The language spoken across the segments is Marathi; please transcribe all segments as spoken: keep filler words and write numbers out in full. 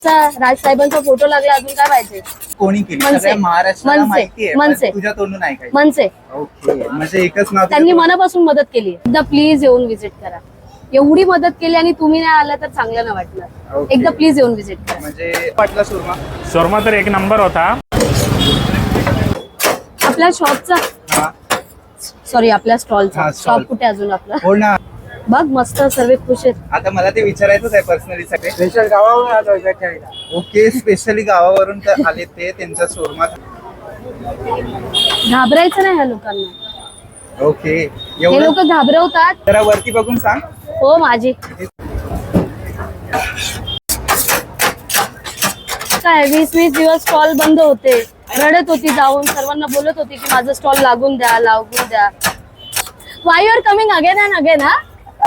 राज साहेबांचा फोटो लागला, अजून काय पाहिजे? कोणी केली? मनसे. सगळ्या महाराष्ट्राला मनसे. माहिती आहे, मनसे. पण तुझ्या तोंडून नाही काय? मनसे. ओके, म्हणजे एकच नाव त्यांनी तुझ्या मनापासून मदत केली. एकदा प्लीज येऊन व्हिजिट करा. एवढी मदत केली आणि तुम्ही नाही आला तर चांगलं नाही वाटलं. ओके. एकदा प्लीज येऊन व्हिजिट करा. म्हणजे पाटला सुरमा शोरमा तर एक नंबर होता. आपल्या शॉपचा हा सॉरी आपल्या स्टॉलचा हा, stall. शॉप कुठे अजून आपला? हो ना. बघ मस्त, सर्व खुश आहेत. आता मला ते विचारायचंच आहे पर्सनली सगळे. स्पेशल गावावर आलो भेटायला. ओके, स्पेशली गावावरून तर आले ते त्यांच्या शोरमा. घाबरायचं नाही ह्या लोकांना. ओके, हे एवढं लोक घाबरवतात. जरा वरती बघून सांग. हो माझी काय वीस वीस दिवस स्टॉल बंद होते, रडत होती, जाऊन सर्वांना बोलत होती की माझं स्टॉल लागून द्या लागून द्या. Why you are coming again and again? हा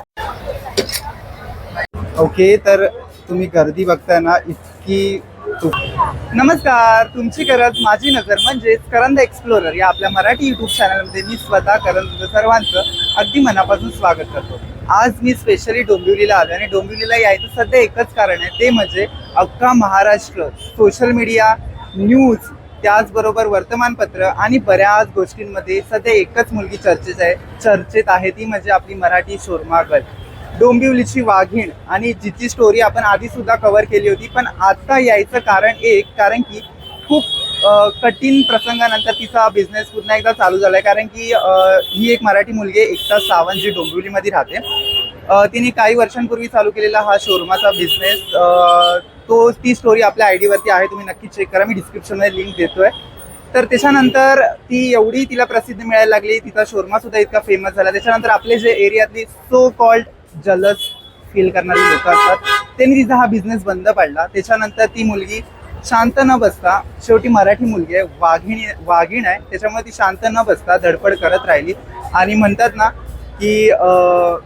ओके, तर तुम्ही गर्दी बघताय ना, इतकी तु- नमस्कार, तुमची गरज माझी नजर म्हणजेच करंद एक्सप्लोरर या आपल्या मराठी युट्यूब चॅनलमध्ये मी स्वतः करंद सर्वांचं अगदी मनापासून स्वागत करतो. आज मी स्पेशली डोंबिवलीला आलो आणि डोंबिवलीला यायचं सध्या एकच कारण आहे, ते म्हणजे अख्खा महाराष्ट्र सोशल मीडिया, न्यूज, त्याचबरोबर वर्तमानपत्र आणि बऱ्याच गोष्टींमध्ये सध्या एकच मुलगी चर्चेत आहे चर्चेत आहे ती म्हणजे आपली मराठी शोरमा गर्ल, डोंबिवलीची वाघीण. आणि जिची स्टोरी आपण आधी सुद्धा कव्हर केली होती, पण आता यायचं कारण एक, कारण की खूप अ, कठीण प्रसंगानंतर तिचा बिझनेस पुन्हा एकदा चालू झालाय. कारण की अ, ही एक मराठी मुलगी आहे, एकता सावंत, जी डोंबिवलीमध्ये राहते. अ, तिने काही वर्षांपूर्वी चालू केलेला हा शोरमाचा बिझनेस, तो ती स्टोरी आपल्या आय डीवरती आहे, तुम्ही नक्की चेक करा, मी डिस्क्रिप्शनमध्ये लिंक देतोय. तर त्याच्यानंतर ती एवढी तिला प्रसिद्धी मिळायला लागली, तिचा शोरमा सुद्धा इतका फेमस झाला. त्याच्यानंतर आपले जे एरियातली सो कॉल्ड जलस फील करणारी लोक असतात, त्यांनी तिचा हा बिझनेस बंद पडला. त्याच्यानंतर ती मुलगी शांत न बसता, शेवटी मराठी मुलगी आहे, वाघिणी वाघीण आहे, त्याच्यामुळे ती शांत न बसता धडपड करत राहिली. आणि म्हणतात ना की अं,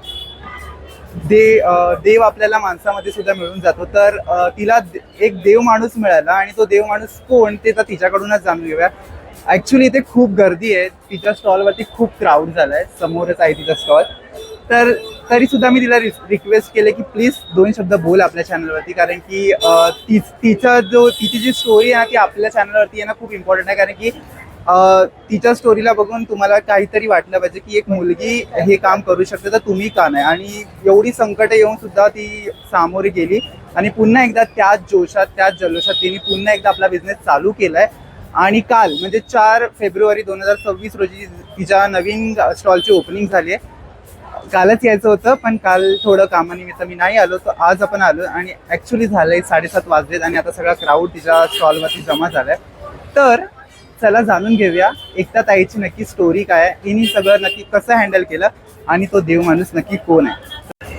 दे अं, देव आपल्याला माणसामध्ये सुद्धा मिळून जातो. तर अं, तिला एक देव माणूस मिळाला, आणि तो देव माणूस कोण ते तर तिच्याकडूनच जाणून घेऊया. ॲक्च्युली इथे खूप गर्दी आहे, तिच्या स्टॉलवरती खूप क्राऊड झाला आहे, समोरच आहे तिचा स्टॉल. तर तरी सुद्धा मी तिला रिक्वेस्ट केले की प्लीज दोन शब्द बोल आपल्या चॅनलवरती, कारण की अं, ती तिचा जो तिची जी स्टोरी आहे ना ती आपल्या चॅनलवरती आहे ना खूप इम्पॉर्टंट आहे. कारण की अं, तिच्या स्टोरीला बघून तुम्हाला काहीतरी वाटलं पाहिजे की एक मुलगी हे काम करू शकते, तर तुम्ही का नाही. आणि एवढी संकट येऊन सुद्धा ती सामोरी गेली आणि पुन्हा एकदा त्याच जोशात त्याच जल्लोषात तिने पुन्हा एकदा आपला बिझनेस चालू केलाय. आणि काल म्हणजे चार फेब्रुवारी दोन हजार सव्वीस रोजी तिच्या नवीन स्टॉलची ओपनिंग झाली आहे. कालच यायचं होतं, पण काल थोडं कामानिमित्त मी नाही आलो, तर आज आपण आलो. आणि ॲक्च्युली झालंय साडेसात वाजलेत आणि आता सगळा क्राऊड तिच्या स्टॉलवरती जमा झालाय. तर चला जाणून घेऊया एकता ताईची नक्की स्टोरी काय आहे, तिने सगळं नक्की कसं हँडल केलं आणि तो देव माणूस नक्की कोण आहे.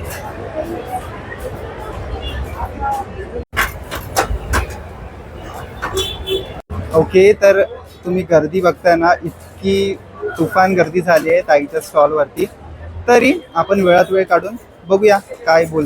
ओके, तर तुम्ही गर्दी बघताय ना, इतकी तुफान गर्दी झाली आहे ताईच्या स्टॉलवरती. तरी आपण वेळात वेळ काढून बघूया काय बोल.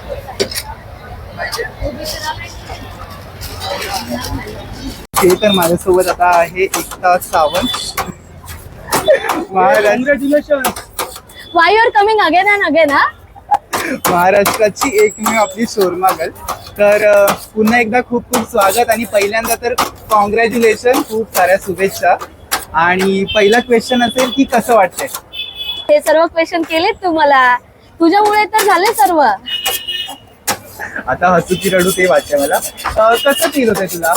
ते तर माझ्यासोबत आता आहे Ekta Sawant. Congratulation. Why you are coming again and again? हा महाराष्ट्राची एकमेव आपली शोरमा गर्ल. तर अ, पुन्हा एकदा खूप खूप स्वागत. आणि पहिल्यांदा तर कॉंग्रॅच्युलेशन, खूप साऱ्या शुभेच्छा. आणि पहिला क्वेश्चन असेल की कसं वाटतंय? हे सर्व क्वेश्चन केलेत तुम्हाला, तुझ्यामुळे तर झाले सर्व. आता हसू की रडू ते वाटतंय मला. अ, कसं फील होतंय तुला?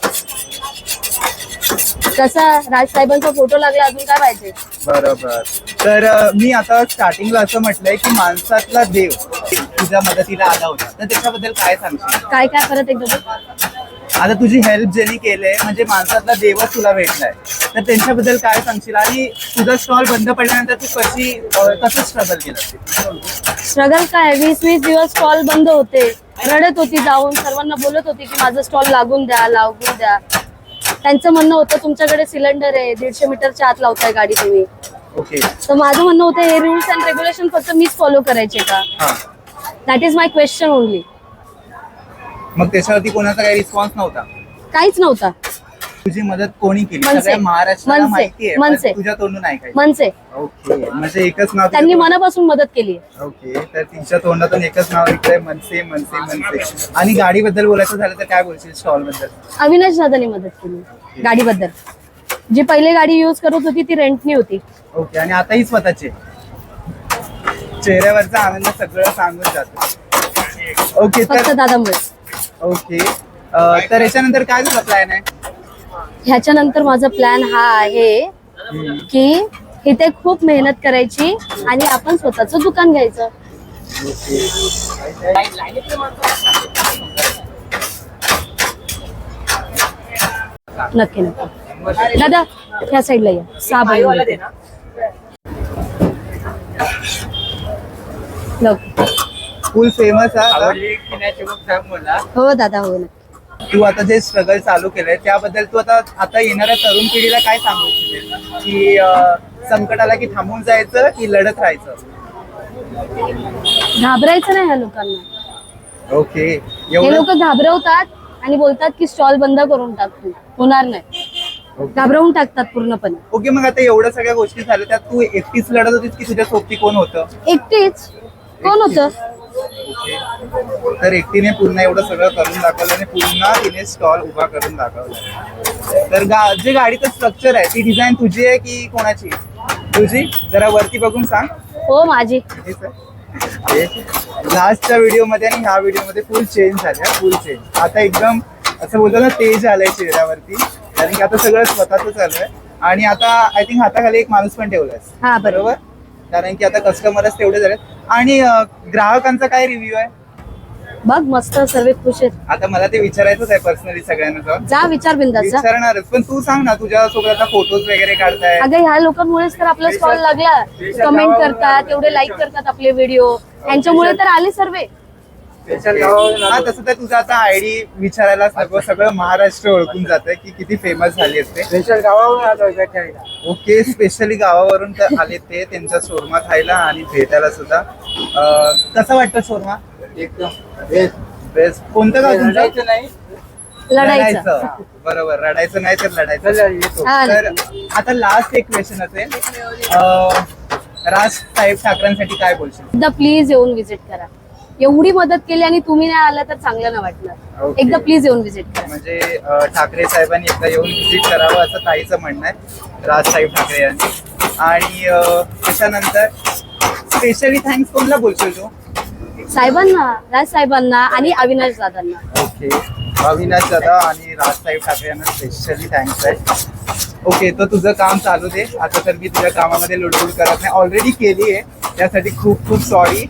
कसा राज साहेबांचा फोटो लागला, अजून काय पाहिजे? बरोबर. तर अ, मी आता स्टार्टिंगला असं म्हटलंय की माणसातला देव तुझ्या मदतीला आला होता, तर त्याच्याबद्दल काय सांगशील? काय काय परत एकदा बोल. आता तुझी हेल्प ज्यांनी केलंय म्हणजे माणसातला देवच तुला भेटलाय, तर त्यांच्याबद्दल काय सांगशील? आणि तुझा स्टॉल बंद पडल्यानंतर तू कशी अ, कसं स्ट्रगल केलं? स्ट्रगल काय, वीस वीस दिवस स्टॉल बंद होते, रडत होती, जाऊन सर्वांना बोलत होती की माझं स्टॉल लागून द्या लागून द्या. त्यांचं म्हणणं होतं तुमच्याकडे सिलेंडर आहे, दीडशे मीटरच्या आत लावताय गाडी तुम्ही. ओके. तर माझं म्हणणं होतं हे रूल्स अँड रेग्युलेशन फक्त मीच फॉलो करायचे का? हां. That is my question only. मग त्याच्यावरती कोणाचा काही रिस्पॉन्स नव्हता? काहीच नव्हता. तुझी मदत कोणी केली? मनसे. सगळ्या महाराष्ट्राला मनसे. माहिती आहे, मनसे. पण तुझ्या तोंडून नाही काय? मनसे. ओके, म्हणजे एकच नाव त्यांनी तुझ्या मनापासून मदत केली तोंड- ओके, तर तिच्या तोंडातून एकच नाव निघतंय, मनसे मनसे मनसे. आणि गाडीबद्दल बोलायचं झालं तर काय बोलशील स्टॉल बद्दल? अविनाश दादानी मदत केली गाडीबद्दल. जी पहिले गाडी युज करत होती ती रेंटनी होती. ओके, आणि आताही स्वतःचे चेहऱ्यावरचा आनंद सगळं सांगून जातो. ओके, फक्त तर दादामुळे. ओके, अं, तर याच्यानंतर काय तुझा प्लॅन आहे? ह्याच्यानंतर माझा प्लॅन हा आहे की इथे खूप मेहनत करायची आणि आपण स्वतःचं दुकान घ्यायचं. नक्की नक्की. दादा ह्या साईडला या. सहा बाई फुल फेमस आहे. आवडली की नाही ते मग सांग मला. हो दादा हो नक्की. तू आता जे स्ट्रगल चालू केलंय त्याबद्दल तू आता आता येणाऱ्या तरुण पिढीला काय सांगू इच्छितेस? की अं, संकट आला की थांबून जायचं की लढत राहायचं? घाबरायचं नाही ह्या लोकांना. ओके, हे एवढं लोक घाबरवतात आणि बोलतात की स्टॉल बंद करून टाकू. होणार नाही. घाबरवून टाकतात पूर्णपणे. ओके, मग आता एवढ्या सगळ्या गोष्टी झाल्या त्यात तू एकटीच लढत होतीस की तुझ्या सोबती कोण होतं? एकटीच. कोण होतं? तर एकटीने पुन्हा एवढं सगळं करून दाखवलं आणि पुन्हा तिने स्टॉल उभा करून दाखवला. तर गा जे गाडीचं स्ट्रक्चर आहे ती डिझाईन तुझी आहे की कोणाची? तुझी. जरा वरती बघून सांग. हो माझी. लास्टच्या व्हिडिओ मध्ये आणि ह्या व्हिडिओ मध्ये फुल चेंज झाले, फुल चेंज. आता एकदम असं बोलतो ना तेज आलंय चेहऱ्यावरती, कारण की आता सगळं स्वतःच चालू आहे. आणि आता आय थिंक हाताखाली एक माणूस पण ठेवलाय. हा बरोबर. कारण की आता कस्टमरच तेवढे झालेत. आणि अं, ग्राहकांचा काय रिव्ह्यू आहे? बघ मस्त सर्व खुश आहेत. आता मला ते विचारायचंच आहे पर्सनली सगळ्यांना जाऊन. जा विचार बिंदाचा. विचारणारच, पण तू सांग ना तुझ्या सोबत आता फोटोज वगैरे काढताय. अगं ह्या लोकांमुळेच तर आपला स्टॉल लागला. कमेंट करतात, एवढे लाईक करतात आपले व्हिडिओ, यांच्यामुळे तर आले सर्व. स्पेशल गावावरून हा, आलो. तसं तर तुझा आता आयडी विचारायला सगळं सगळं महाराष्ट्र ओळखून जातंय की किती फेमस झाली असते. स्पेशल गावावरून आलो भेटायला. ओके, स्पेशली गावावरून तर आले ते त्यांचा शोरमा खायला आणि भेटायला सुद्धा. अं, कसं वाटतं शोरमा? एकदम बेस्ट. बेस्ट. कोणतं गाव तुमचं? रडायचं नाही. लढायचं. बरोबर, रडायचं नाही तर लढायचं. चला येतो. हा तर आता लास्ट एक क्वेश्चन असेल, अं, राज साहेब ठाकरेंसाठी काय बोलशील? एकदा प्लीज येऊन विजिट करा. एवढी मदत केली आणि तुम्ही नाही आला तर चांगलं नाही वाटलं. Okay. एकदा प्लीज येऊन विजिट करा. म्हणजे अं, ठाकरे साहेबांनी एकदा येऊन व्हिजिट करावं असं ताईचं म्हणणं आहे, राजसाहेब ठाकरे यांनी. आणि अं, त्याच्यानंतर स्पेशली थँक्स कोणला बोलशील तू? साहेबांना, राज साहेबांना आणि अविनाश दादांना. ओके, अविनाश दादा आणि राजसाहेब ठाकरे यांना स्पेशली थँक्स आहे. ओके, तर तुझं काम चालू दे. आता तर मी तुझ्या कामामध्ये लुडबुड करत नाही, ऑलरेडी केली आहे, त्यासाठी खूप खूप सॉरी.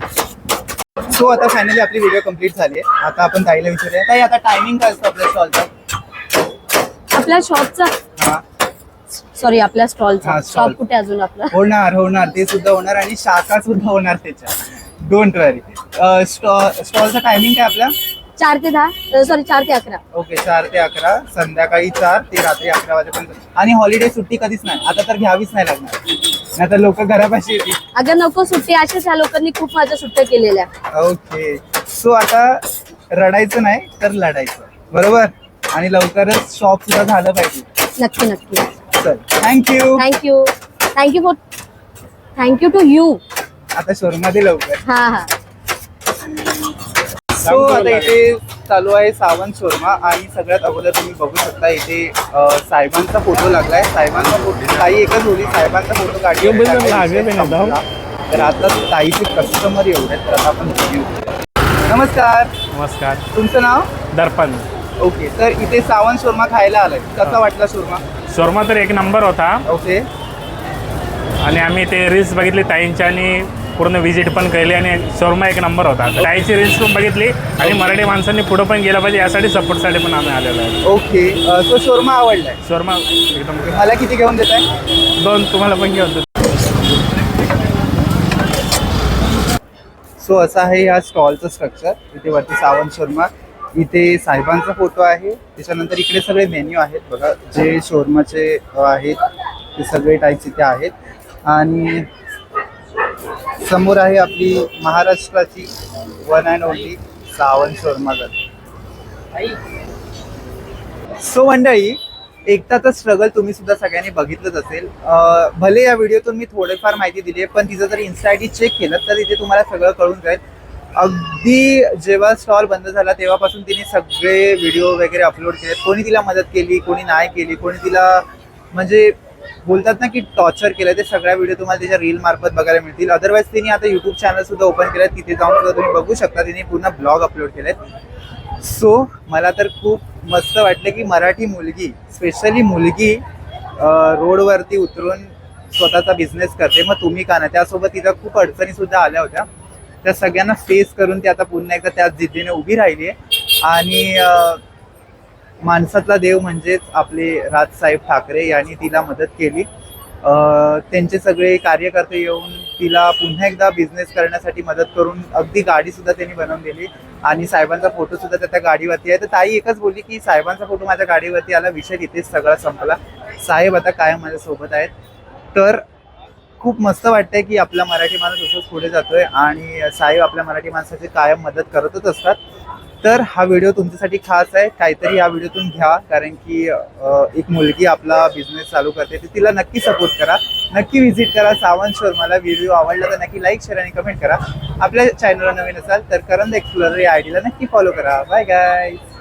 सो आता फायनली आपली व्हिडिओ कम्प्लीट झाली आहे. आता आपण ताईला विचारूया, ताई आता टायमिंग काय असतं आपल्या स्टॉलचा? आपल्या शॉपचा, हा, सॉरी आपल्या स्टॉलचा. हा, stall. शॉप कुठे अजून आपला? होणार होणार ते सुद्धा होणार आणि शाखा सुद्धा होणार त्याच्या. Don't worry. स्टॉलचा टायमिंग काय आपला? चार ते दहा सॉरी चार ते अकरा. ओके, चार ते अकरा, संध्याकाळी चार ते रात्री अकरा वाजेपर्यंत. आणि हॉलिडे सुट्टी कधीच नाही, आता तर घ्यावीच नाही लागणार, नाही तर लोक घरापाशी येतील. अगं नको सुट्टी, अशाच ह्या लोकांनी खूप माझ्या सुट्ट्या केलेल्या. ओके, सो आता रडायचं नाही तर लढायचं, बरोबर. आणि लवकरच शॉप सुद्धा झालं पाहिजे. नक्की नक्की. चल, thank you. Thank you thank you for thank you to you. आता शोरूममध्ये लवकर. हा हा. सो आता इथे चालू आहे सावंत शोरमा. आणि सगळ्यात अगोदर तुम्ही बघू शकता इथे अ, साहेबांचा फोटो लागलाय. साहेबांचा फोटो ताई एकच होती, साहेबांचा फोटो काढली. तर आता ताईचे कस्टमर एवढे आहेत, तर आता आपण review करूया. नमस्कार, नमस्कार. तुमचं नाव? दर्पण. ओके, तर इथे सावंत शोरमा खायला आलाय, कसा वाटला शोरमा? शोरमा तर एक नंबर होता. ओके, आणि आम्ही ते रील्स बघितली ताईंच्या आणि पूर्ण व्हिजिट पण केली आणि शोरमा एक नंबर होता. ताईची रील्स पण बघितली आणि मराठी माणसांनी पुढं पण गेलं पाहिजे यासाठी सपोर्टसाठी पण आम्ही आलेलो आहे. ओके, अ, तो शोरमा आवडलाय. शोरमा एकदम मला किती घेऊन देत आहे? दोन तुम्हाला पण घेऊन देतो. सो असं आहे ह्या स्टॉलचं स्ट्रक्चर. इथे वरती सावंत शोरमा, इथे साहेबांचा फोटो आहे, त्याच्यानंतर इकडे सगळे मेन्यू आहेत बघा, जे शोरमाचे आहेत ते सगळे टाईप्स इथे आहेत. आणि समोर आहे आपली महाराष्ट्राची वन अँड ओनली सावंत शोरमागत. सो मंडळी, एकताचं स्ट्रगल तुम्ही सुद्धा सगळ्यांनी बघितलंच असेल. अं, भले या व्हिडिओतून मी थोडीफार माहिती दिली आहे, पण तिचं जर इन्स्टा आय डी चेक केलं तर इथे तुम्हाला सगळं कळून जाईल. अगदी जेव्हा स्टॉल बंद झाला तेव्हापासून तिने सगळे व्हिडिओ वगैरे अपलोड केले. कोणी तिला मदत केली, कोणी नाही केली, कोणी तिला म्हणजे बोलतात ना की टॉर्चर केलं, ते सगळ्या व्हिडिओ तुम्हाला त्याच्या रील मार्फत बघायला मिळतील. अदरवाईज तिने आता युट्यूब चॅनल सुद्धा ओपन केलं, तिथे जाऊन सुद्धा तुम्ही बघू शकता. तिने पूर्ण ब्लॉग अपलोड केलेत. सो मला तर खूप मस्त वाटलं की मराठी मुलगी, स्पेशली मुलगी रोडवरती उतरून स्वतःचा बिझनेस करते. मग तुम्ही का नाही? त्यासोबत तिला खूप अडचणी सुद्धा आल्या होत्या, त्या सगळ्यांना फेस करून ती आता पुन्हा एकदा त्याच जिद्दीने उभी राहिली आहे. आणि अं, माणसातला देव म्हणजेच आपले राजसाहेब ठाकरे यांनी तिला मदत केली. अं, त्यांचे सगळे कार्यकर्ते येऊन तिला पुन्हा एकदा बिझनेस करण्यासाठी मदत करून अगदी गाडी सुद्धा त्यांनी बनवून दिली. आणि साहेबांचा फोटो सुद्धा त्या गाडीवरती आहे. तर ताई एकच बोलली की साहेबांचा फोटो माझ्या गाडीवरती आला, विषय तिथेच सगळा संपला. साहेब आता कायम माझ्या सोबत आहेत. तर खूप मस्त वाटतंय की आपला मराठी माणूस असंच पुढे जातोय आणि साहेब आपल्या मराठी माणसाची कायम मदत करतच असतात. तर हा व्हिडिओ तुमच्यासाठी खास आहे. काहीतरी या व्हिडिओतून घ्या, कारण की अं, एक मुलगी आपला बिझनेस चालू करते, तर तिला नक्की सपोर्ट करा, नक्की व्हिजिट करा सावंत शोरूमला. व्हिडिओ आवडला तर नक्की लाईक, शेअर आणि कमेंट करा. आपल्या चॅनलला नवीन असाल तर करंद एक्सप्लोरर या आय डीला नक्की फॉलो करा. Bye guys.